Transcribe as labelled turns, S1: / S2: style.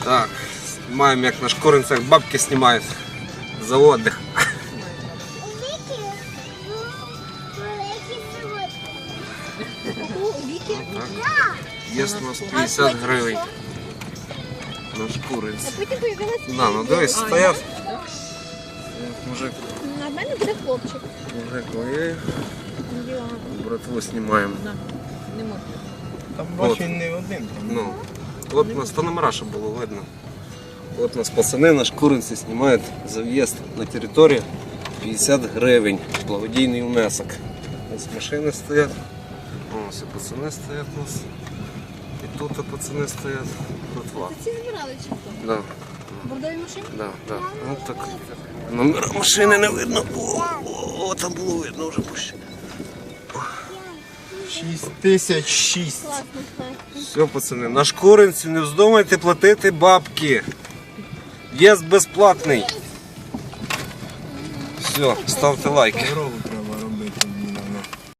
S1: Так, снимаем, як на шкуринцях бабки снимают за отдых. Есть у нас 50 гривень на шкуринці. Да, ну дивись, стоять. Мужик.
S2: На мене буде хлопчик.
S1: Мужик, ой, братву знімаємо.
S2: Не можна.
S3: Там бачу не один.
S1: Ну, от у нас то номера, щоб було видно. От у нас пацани на шкуринці знімають за в'їзд на територію 50 гривень. Благодійний внесок. Ось машини стоять. Ось і пацани стоять у нас. І тут пацани стоять. Братва.
S2: Ці збирали чи хто?
S1: Да.
S2: Бордові машини?
S1: Да, да. Ну, так. Номера машини не видно. О, там було видно вже пуще.
S3: 6006.
S2: Класно, так.
S1: Все, пацани, на шкуринці не вздумайте платити бабки. В'їзд безплатний. Все, ставте лайки.
S3: Дорогу треба